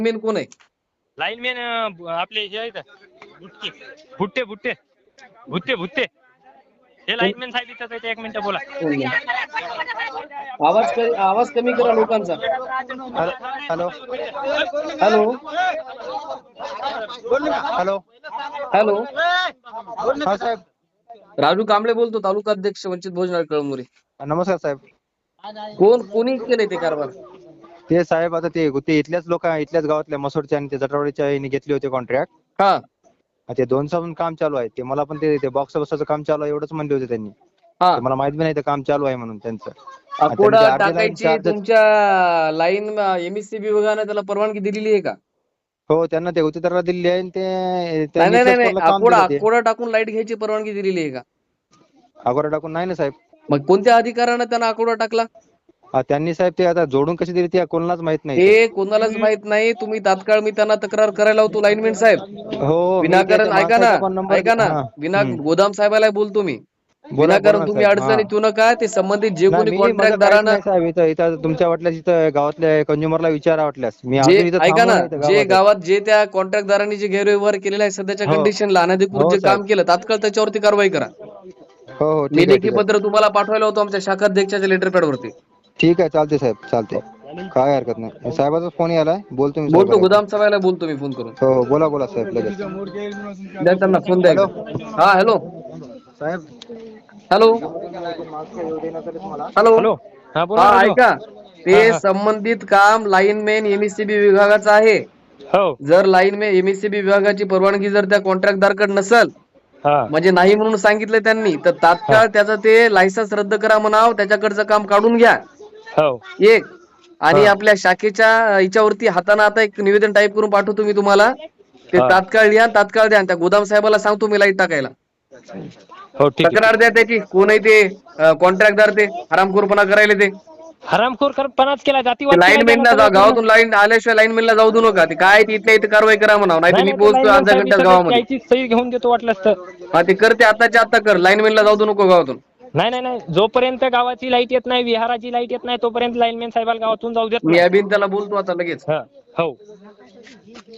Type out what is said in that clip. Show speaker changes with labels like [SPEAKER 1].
[SPEAKER 1] Main कोण आहे?
[SPEAKER 2] Lineman आपले हे आहेत भुट्टे भुट्टे भुट्टे भुट्टे हे लाईनमॅन साहेब इथं आहेत. एक मिनिट बोला.
[SPEAKER 1] आवाज कमी करा लोकांचा.
[SPEAKER 3] हॅलो
[SPEAKER 1] हॅलो
[SPEAKER 3] हॅलो
[SPEAKER 1] हॅलो
[SPEAKER 3] हा साहेब.
[SPEAKER 1] राजू कांबळे बोलतो, तालुका अध्यक्ष वंचित बहुजन आघाडी कळमनुरी.
[SPEAKER 3] नमस्कार साहेब.
[SPEAKER 1] कोणी केले ते कारभार?
[SPEAKER 3] ते साहेब आता ते इथल्याच लोक इथल्याच गावातल्या मसोडच्या आणि ते जटवाडीच्या यांनी घेतले होते कॉन्ट्रॅक्ट.
[SPEAKER 1] हा
[SPEAKER 3] ते 2 दिवसापासून काम चालू आहे. ते मला पण ते बॉक्स बसवायचं काम चालू आहे एवढंच म्हणले होते त्यांनी.
[SPEAKER 1] हा
[SPEAKER 3] ते मला माहित नाही ते काम चालू आहे म्हणून त्यांचं.
[SPEAKER 1] अकोडा टाकायची तुमच्या लाईन एमएससीबी विभागाने त्याला परवानगी दिलेली आहे का?
[SPEAKER 3] हो त्यांना ते गुत्तेदाराला दिलेली आहे आणि
[SPEAKER 1] नाही
[SPEAKER 3] त्यांनी
[SPEAKER 1] नाही
[SPEAKER 3] इथल्याच
[SPEAKER 1] नाही,
[SPEAKER 3] पोराला काम दिलं ते.
[SPEAKER 1] अकोडा टाकून लाईट घ्यायची परवानगी दिलेली आहे का?
[SPEAKER 3] अगोदर टाकून नाही ना साहेब.
[SPEAKER 1] मग कोणत्या अधिकारानं त्यांना अकोडा टाकला?
[SPEAKER 3] त्यांनी साहेब ते आता जोडून कशी दिली ते कोणालाच माहित नाही.
[SPEAKER 1] ते कोणालाच माहित नाही. तुम्ही तात्काळ मी त्यांना तक्रार करायला होतो लाईनमॅन साहेब.
[SPEAKER 3] हो
[SPEAKER 1] विनाकारण ऐका ना विना गोदाम साहेबाला बोलतो मी. विनाकारण तुम्ही अडचणीत येऊ नका. ते संबंधित जे कोणी कॉन्ट्रॅक्टदारांना
[SPEAKER 3] इथं तुमच्या वाटल्यास इथं गावातल्या कंझ्युमरला विचारा वाटल्यास मी
[SPEAKER 1] जे
[SPEAKER 3] अजून इथं
[SPEAKER 1] ऐका
[SPEAKER 3] थांबलो
[SPEAKER 1] ना,
[SPEAKER 3] नाही
[SPEAKER 1] जे
[SPEAKER 3] गावात.
[SPEAKER 1] गावात जे त्या कॉन्ट्रॅक्टदारांनी जे गैरव्यवहार केलेला आहे सध्याच्या
[SPEAKER 3] हो.
[SPEAKER 1] कंडिशनला अनधिकृत
[SPEAKER 3] हो
[SPEAKER 1] जे काम
[SPEAKER 3] साहेब.
[SPEAKER 1] केलं तात्काळ त्याच्यावरती कारवाई करा.
[SPEAKER 3] हो हो
[SPEAKER 1] मी
[SPEAKER 3] ठीक आहे
[SPEAKER 1] लेखी पत्र तुम्हाला पाठवायला होतो आमच्या शाखाध्यक्षाच्या लेटर पॅड वरती.
[SPEAKER 3] ठीक आहे चालते साहेब चालते. काय हरकत नाही. साहेबाचा फोन यालाय बोलतो मी
[SPEAKER 1] बोलतो
[SPEAKER 3] साहेबाला.
[SPEAKER 1] गोदाम सभाला बोलतो मी फोन करून.
[SPEAKER 3] हो बोला साहेब लगेच.
[SPEAKER 1] द्या त्यांना फोन द्या
[SPEAKER 3] हॅलो
[SPEAKER 1] एकदा. हा हॅलो
[SPEAKER 3] साहेब.
[SPEAKER 1] हॅलो हॅलो
[SPEAKER 2] हॅलो हा बोला
[SPEAKER 1] हा
[SPEAKER 2] राजू.
[SPEAKER 1] ऐका,
[SPEAKER 2] हा
[SPEAKER 1] ते
[SPEAKER 2] हा
[SPEAKER 1] संबंधित काम लाईनमॅन एमएससीबी विभागाचं आहे.
[SPEAKER 2] हो
[SPEAKER 1] जर लाईनमॅन एमएससीबी विभागाची परवानगी जर त्या कॉन्ट्रॅक्टदारकडे नसेल,
[SPEAKER 2] हा
[SPEAKER 1] म्हणजे नाही म्हणून सांगितलं त्यांनी, तर
[SPEAKER 2] हा
[SPEAKER 1] तात्काळ त्याचं ते लायसन्स रद्द करा म्हणाव, त्याच्याकडचं काम काढून घ्या.
[SPEAKER 2] हो
[SPEAKER 1] एक आणि
[SPEAKER 2] हा
[SPEAKER 1] आपल्या शाखेच्या याच्यावरती हाताने आता एक निवेदन टाईप करून पाठवतो मी तुम्हाला. ते
[SPEAKER 2] हा
[SPEAKER 1] तात्काळ लिहा, तात्काळ द्या. त्या गोदाम साहेबाला सांगतो मी लाईट टाकायला.
[SPEAKER 2] हो ठीक आहे.
[SPEAKER 1] तक्रार द्या त्याची. कोण आहे ते कॉन्ट्रॅक्टदार, ते हरामखोरपणा करायला ते.
[SPEAKER 2] हरामखोरपणाच केला,
[SPEAKER 1] ते
[SPEAKER 2] जातीवाद केला त्यानं
[SPEAKER 1] लाईनमॅनला
[SPEAKER 2] सगळं पूर्ण.
[SPEAKER 1] गावातून लाईन आल्याशिवाय लाईनमॅनला जाऊ देऊ नका. ते काय ते इथल्या इथे कारवाई करा म्हणावं, नाही तर मी
[SPEAKER 2] नाही ते
[SPEAKER 1] पोहोचतोय
[SPEAKER 2] लाईनमॅन
[SPEAKER 1] अर्ध्या
[SPEAKER 2] साहेब
[SPEAKER 1] घंट्यात
[SPEAKER 2] इथं
[SPEAKER 1] गावामध्ये.
[SPEAKER 2] त्याची सही घेऊन देतो वाटलंच तर.
[SPEAKER 1] हा ते करते आताच्या आता कर. लाईनमॅनला जाऊ देऊ नको गावातून.
[SPEAKER 2] नाही जोपर्यंत गावाची लाईट येत नाही, विहाराची लाईट येत नाही, तोपर्यंत लाईनमॅन साहेबाला गावातून जाऊ देत
[SPEAKER 1] मी
[SPEAKER 2] नाही.
[SPEAKER 1] अभिन त्याला बोलतो आता लगेच.
[SPEAKER 2] हो